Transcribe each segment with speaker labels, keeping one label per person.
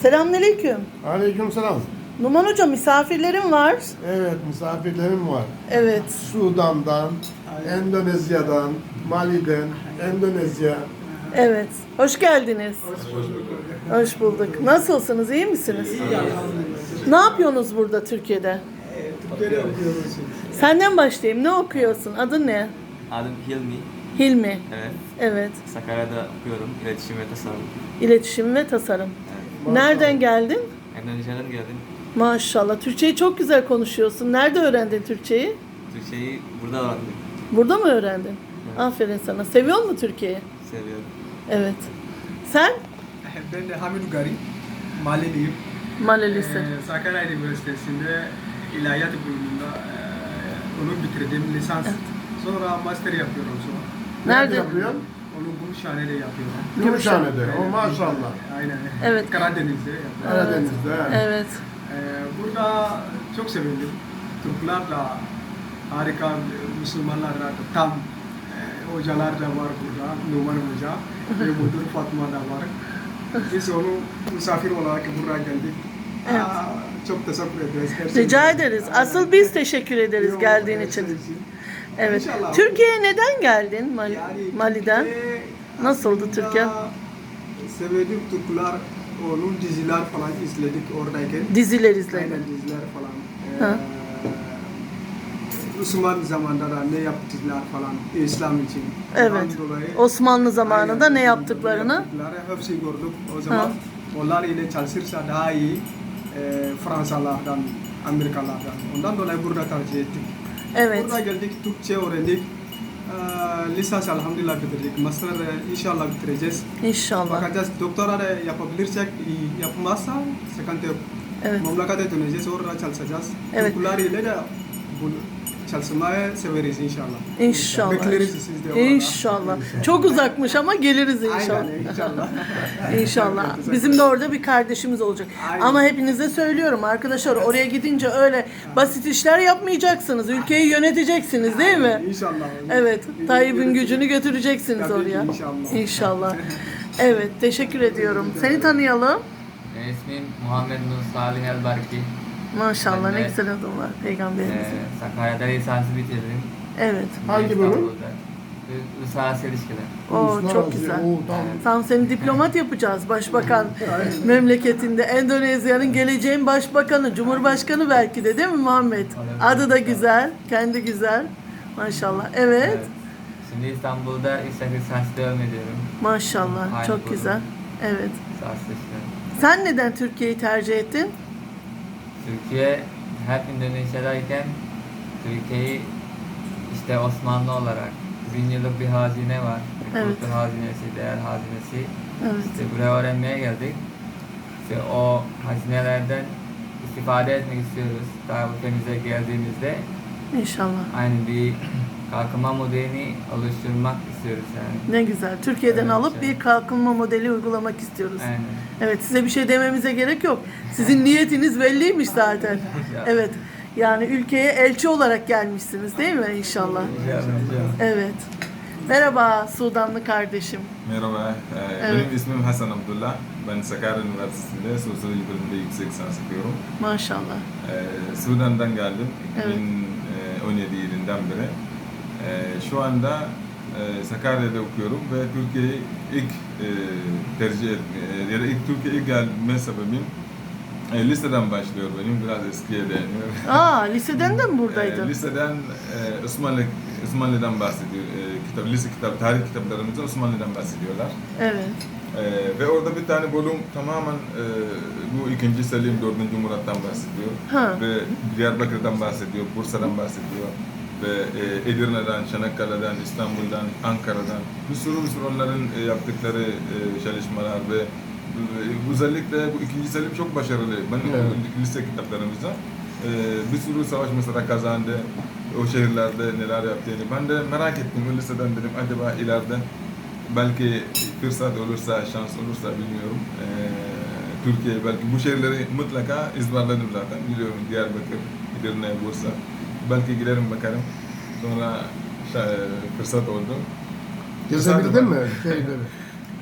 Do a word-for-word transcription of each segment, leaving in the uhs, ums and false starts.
Speaker 1: Selamünaleyküm.
Speaker 2: Aleykümselam.
Speaker 1: Numan Hoca, misafirlerim var.
Speaker 2: Evet, misafirlerim var.
Speaker 1: Evet.
Speaker 2: Sudan'dan, Endonezya'dan, Mali'den, Endonezya.
Speaker 1: Evet. Hoş geldiniz.
Speaker 2: Hoş bulduk.
Speaker 1: Hoş bulduk. Nasılsınız? İyi misiniz? Ne yapıyorsunuz burada Türkiye'de?
Speaker 3: Türkiye'de okuyoruz.
Speaker 1: Senden başlayayım. Ne okuyorsun? Adın ne?
Speaker 4: Adım Hilmi.
Speaker 1: Hilmi.
Speaker 4: Evet.
Speaker 1: Evet.
Speaker 4: Sakarya'da okuyorum. İletişim ve tasarım.
Speaker 1: İletişim ve tasarım. Nereden geldin?
Speaker 4: Endonezya'dan geldim.
Speaker 1: Maşallah. Türkçeyi çok güzel konuşuyorsun. Nerede öğrendin Türkçeyi?
Speaker 4: Türkçeyi burada öğrendim.
Speaker 1: Burada mı öğrendin? Aferin sana. Seviyor musun Türkiye'yi?
Speaker 4: Seviyorum.
Speaker 1: Evet. Sen?
Speaker 3: Ben de Hamid Ugari, Maliliyim.
Speaker 1: Malelisi.
Speaker 3: Ee, Sakarya Üniversitesi'nde İlahiyat bölümünde e, onu bitirdim, lisans. Sonra master yapıyorum sonra.
Speaker 1: Nerede?
Speaker 2: yapıyorsun?
Speaker 3: Onu Gümüşhane'de yapıyorum.
Speaker 2: Gümüşhane'de. O
Speaker 3: Aynen.
Speaker 2: maşallah.
Speaker 3: Aynen.
Speaker 1: Evet.
Speaker 3: Karadeniz'de yapıyorum.
Speaker 2: Karadeniz'de. he.
Speaker 1: Evet.
Speaker 3: Ee, burada çok sevindim. Türklerle harika Müslümanlar da tam e, hocalar da var burada. Numan Hoca ve Müdür Fatma da var. Biz onu misafir olarak buraya geldik.
Speaker 1: Evet.
Speaker 3: Aa, çok teşekkür ederiz. Gerçekten.
Speaker 1: Rica ederiz. Asıl biz teşekkür ederiz
Speaker 3: Yok,
Speaker 1: geldiğin
Speaker 3: her
Speaker 1: için.
Speaker 3: şey
Speaker 1: Evet.
Speaker 3: İnşallah.
Speaker 1: Türkiye'ye neden geldin Mali,
Speaker 3: Yani
Speaker 1: Mali'den?
Speaker 3: Türkiye
Speaker 1: Nasıldı
Speaker 3: aslında
Speaker 1: Türkiye?
Speaker 3: Sevdiğim Türkler, onun diziler falan izledik oradayken.
Speaker 1: Diziler izledin.
Speaker 3: Aynen diziler falan.
Speaker 1: Ha.
Speaker 3: Ee, Osmanlı zamanında da ne yaptılar falan İslam için.
Speaker 1: Evet.
Speaker 3: Ondan dolayı-
Speaker 1: Osmanlı zamanında
Speaker 3: Aynen,
Speaker 1: ne yaptıklarını?
Speaker 3: yaptıkları hepsi gördük. O zaman
Speaker 1: Ha.
Speaker 3: onlar ile çalışırsa daha iyi e, Fransalardan, Amerikalardan. Ondan dolayı burada tercih ettik.
Speaker 1: Evet.
Speaker 3: Burada geldik, Türkçe öğrendik. Ee, lisans elhamdülillah bitirdik. Master de inşallah bitireceğiz.
Speaker 1: İnşallah.
Speaker 3: Bakacağız, doktora da yapabilirsek, iyi. Yapmazsa sıkıntı yok.
Speaker 1: Evet.
Speaker 3: Memlekete döneceğiz, orada çalışacağız.
Speaker 1: Evet.
Speaker 3: Türkler ile de bu çalışmayı severiz inşallah.
Speaker 1: İnşallah.
Speaker 3: Bekleriz siz de orada.
Speaker 1: İnşallah. Çok uzakmış ama geliriz inşallah.
Speaker 3: Aynen inşallah.
Speaker 1: İnşallah. Bizim de orada bir kardeşimiz olacak.
Speaker 3: Aynen.
Speaker 1: Ama hepinize söylüyorum arkadaşlar, oraya gidince öyle basit işler yapmayacaksınız. Ülkeyi yöneteceksiniz değil mi?
Speaker 3: İnşallah.
Speaker 1: Evet. Tayyip'in gücünü götüreceksiniz
Speaker 3: Tabii ki,
Speaker 1: oraya.
Speaker 3: inşallah.
Speaker 1: İnşallah. Evet. Teşekkür ediyorum. Seni tanıyalım.
Speaker 4: Benim ismim Muhammed Nur Salih Elbarki.
Speaker 1: Maşallah
Speaker 4: Ben
Speaker 1: ne
Speaker 4: de-
Speaker 1: güzel adım var Peygamberimizin.
Speaker 4: Ee, Sakarya'da lisansı bitirdim.
Speaker 1: Evet.
Speaker 2: Hangi bölüm?
Speaker 4: İstanbul'da. Uluslararası ilişkiler.
Speaker 1: Oo,
Speaker 2: Uluslararası,
Speaker 1: çok güzel.
Speaker 2: oo, tamam.
Speaker 1: Tam seni diplomat yapacağız. Başbakan memleketinde. Endonezya'nın geleceğin başbakanı, cumhurbaşkanı belki de değil mi Muhammed? Adı da güzel, kendi güzel. Maşallah. Evet.
Speaker 4: Evet. Şimdi İstanbul'da yüksek lisans devam ediyorum.
Speaker 1: Maşallah.
Speaker 4: Aynı
Speaker 1: Çok
Speaker 4: bölüm.
Speaker 1: güzel. Evet.
Speaker 4: Lisans işte.
Speaker 1: Sen neden Türkiye'yi tercih ettin?
Speaker 4: Türkiye hep İndonezya'dayken Türkiye'yi işte Osmanlı olarak bin yıllık bir hazine var. Bir
Speaker 1: Evet.
Speaker 4: kültür hazinesi, değer hazinesi.
Speaker 1: Evet.
Speaker 4: İşte buraya öğrenmeye geldik. İşte o hazinelerden istifade etmek istiyoruz. Daha ülkemize geldiğimizde
Speaker 1: İnşallah.
Speaker 4: aynı bir kalkınma modelini oluşturmak istiyoruz yani.
Speaker 1: Ne güzel. Türkiye'den
Speaker 4: Evet,
Speaker 1: alıp
Speaker 4: evet.
Speaker 1: bir kalkınma modeli uygulamak istiyoruz.
Speaker 4: Aynen.
Speaker 1: Evet, size bir şey dememize gerek yok. Sizin niyetiniz belliymiş zaten. Evet. Yani ülkeye elçi olarak gelmişsiniz değil mi inşallah?
Speaker 4: Rica ederim, rica ederim.
Speaker 1: Evet. Merhaba Sudanlı kardeşim.
Speaker 5: Merhaba, e,
Speaker 1: Evet.
Speaker 5: benim ismim Hasan Abdullah. Ben Sakarya Üniversitesi'nde sosyoloji bölümünde yüksek lisans yapıyorum.
Speaker 1: Maşallah.
Speaker 5: E, Sudan'dan geldim
Speaker 1: Evet.
Speaker 5: iki bin on yedi yılından beri. E, şu anda e, Sakarya'da okuyorum ve Türkiye'yi ilk e, tercih et, e, ya da ilk Türkiye'ye ilk gelme sebebim e, liseden başlıyor benim, biraz eskiye dayanıyor.
Speaker 1: Aa, liseden de mi buradaydın?
Speaker 5: E, liseden e, Osmanlı Osmanlı'dan bahsediyor. E, kitap, lise kitap, tarih kitaplarımızda Osmanlı'dan bahsediyorlar.
Speaker 1: Evet.
Speaker 5: E, ve orada bir tane bölüm tamamen e, bu ikinci Selim dördüncü Murat'tan bahsediyor.
Speaker 1: Ha.
Speaker 5: Ve Diyarbakır'dan bahsediyor, Bursa'dan bahsediyor. Ve e, Edirne'den, Çanakkale'den, İstanbul'dan, Ankara'dan bir sürü bir sürü onların e, yaptıkları e, çalışmalar ve e, özellikle bu ikinci Selim çok başarılı. Ben
Speaker 2: Evet.
Speaker 5: o lise kitaplarımızda e, bir sürü savaş mesela kazandı. O şehirlerde neler yaptığını. Ben de merak ettim. O liseden dedim acaba ileride belki fırsat olursa, şans olursa bilmiyorum. E, Türkiye belki bu şehirleri mutlaka ezberledim zaten. Biliyorum Diyarbakır, Edirne, Bursa. Belki giderim bakarım. Sonra şey, fırsat oldu.
Speaker 2: Gezebildin mi şeyleri?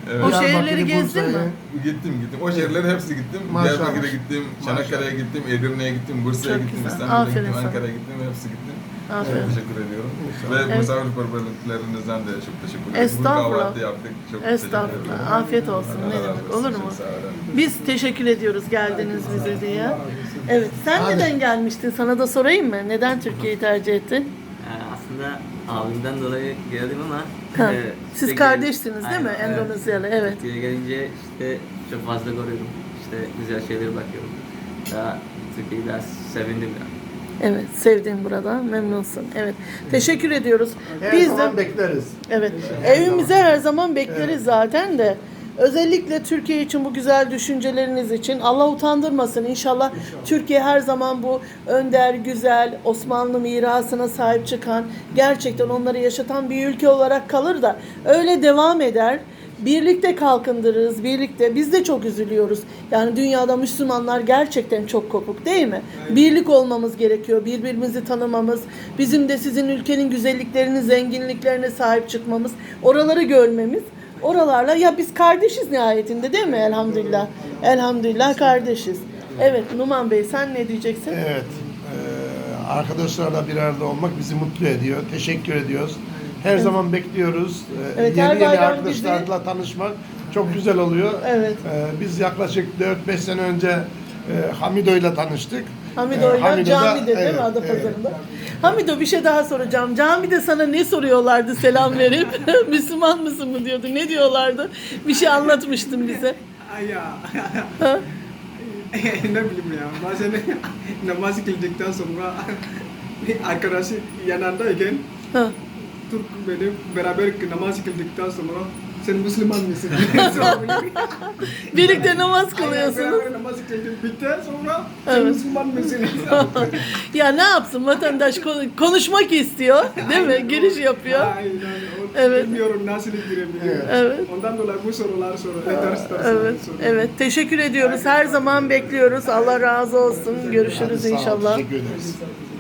Speaker 5: Evet.
Speaker 1: O
Speaker 2: Diyarbakır'ı,
Speaker 1: şehirleri gezdin
Speaker 2: Bursa'yı.
Speaker 1: mi?
Speaker 5: Gittim gittim. O şehirlere hepsi gittim.
Speaker 2: Maşallah.
Speaker 5: Diyarbakır'a gittim, Çanakkale'ye gittim, Edirne'ye gittim, Bursa'ya
Speaker 1: Çok
Speaker 5: gittim,
Speaker 1: güzel.
Speaker 5: İstanbul'a
Speaker 1: Aferin
Speaker 5: gittim,
Speaker 1: sana.
Speaker 5: Ankara'ya gittim, hepsi gittim.
Speaker 1: Aferin.
Speaker 5: Teşekkür ediyorum.
Speaker 2: İnşallah.
Speaker 5: Ve
Speaker 1: Evet.
Speaker 5: misafirperverliklerinizden de çok teşekkür ederim.
Speaker 1: Estağfurullah.
Speaker 5: Bu kahvaltı yaptık. Çok teşekkür
Speaker 1: Estağfurullah.
Speaker 5: ederim.
Speaker 1: Afiyet olsun.
Speaker 5: Allah
Speaker 1: Ne
Speaker 5: razı
Speaker 1: demek?
Speaker 5: olsun.
Speaker 1: Olur
Speaker 5: Çok
Speaker 1: mu?
Speaker 5: sağ olun.
Speaker 1: Biz teşekkür ediyoruz geldiniz bize diye. Evet. Sen
Speaker 2: Hadi.
Speaker 1: neden gelmiştin? Sana da sorayım mı? Neden Türkiye'yi tercih ettin?
Speaker 6: Ee, aslında abimden dolayı geldim ama
Speaker 1: Ha,
Speaker 6: e,
Speaker 1: siz
Speaker 6: işte
Speaker 1: kardeşsiniz
Speaker 6: gel-
Speaker 1: değil mi?
Speaker 6: Aynen, evet.
Speaker 1: Endonezyalı. Evet.
Speaker 6: Türkiye'ye gelince işte çok fazla görüyorum. İşte güzel şeylere bakıyorum. Daha Türkiye'yi daha sevindim ya.
Speaker 1: Evet. Sevdin burada. Memnunsun. Evet. Teşekkür ediyoruz.
Speaker 2: Her
Speaker 1: Biz
Speaker 2: zaman
Speaker 1: de
Speaker 2: bekleriz.
Speaker 1: evet. Evimize her zaman bekleriz zaten de. Özellikle Türkiye için bu güzel düşünceleriniz için Allah utandırmasın. İnşallah Türkiye her zaman bu önder, güzel, Osmanlı mirasına sahip çıkan, gerçekten onları yaşatan bir ülke olarak kalır da öyle devam eder. Birlikte kalkındırırız, birlikte. Biz de çok üzülüyoruz. Yani dünyada Müslümanlar gerçekten çok kopuk değil mi? Birlik olmamız gerekiyor, birbirimizi tanımamız, bizim de sizin ülkenin güzelliklerini, zenginliklerine sahip çıkmamız, oraları görmemiz. Oralarla ya biz kardeşiz nihayetinde değil mi? Elhamdülillah. Elhamdülillah kardeşiz. Evet Numan Bey sen ne diyeceksin?
Speaker 2: Evet. Ee, arkadaşlarla bir arada olmak bizi mutlu ediyor. Teşekkür ediyoruz. Her zaman bekliyoruz. Ee,
Speaker 1: Evet, her
Speaker 2: yeni yeni
Speaker 1: bayram
Speaker 2: arkadaşlarla tanışmak çok güzel oluyor.
Speaker 1: Evet.
Speaker 2: Ee, biz yaklaşık dört beş sene önce e, Hamido ile tanıştık.
Speaker 1: Hamido'yla
Speaker 2: Ee, Hamido'da-
Speaker 1: camide değil
Speaker 2: evet,
Speaker 1: mi
Speaker 2: evet.
Speaker 1: Adapazarı'nda? Hamido bir şey daha soracağım. Camide sana ne soruyorlardı selam verip? Müslüman mısın mı diyordu? Ne diyorlardı? Bir şey anlatmıştın bize.
Speaker 3: Ay ya.
Speaker 1: Ha?
Speaker 3: Ne bileyim ya. Bazen namaz kıldıktan sonra arkadaşı yanındayken
Speaker 1: Ha.
Speaker 3: Türk benim beraber namaz kıldıktan sonra sen Müslüman mısın?
Speaker 1: Birlikte namaz
Speaker 3: Aynen,
Speaker 1: kılıyorsunuz.
Speaker 3: beraber namaz kıldık bitti sonra sen
Speaker 1: Evet.
Speaker 3: Müslüman mısın?
Speaker 1: Ya ne yapsın vatandaş konu- konuşmak istiyor değil mi? Giriş yapıyor.
Speaker 3: Aynen. O-
Speaker 1: Evet.
Speaker 3: Bilmiyorum nasıl girebiliyor.
Speaker 1: Evet.
Speaker 3: Ondan dolayı bu sorular soruyor. Dersler
Speaker 1: Evet, evet. Teşekkür ediyoruz. Her zaman bekliyoruz. Allah razı olsun. Görüşürüz
Speaker 2: Hadi sağ ol,
Speaker 1: inşallah.
Speaker 2: Teşekkür ederiz.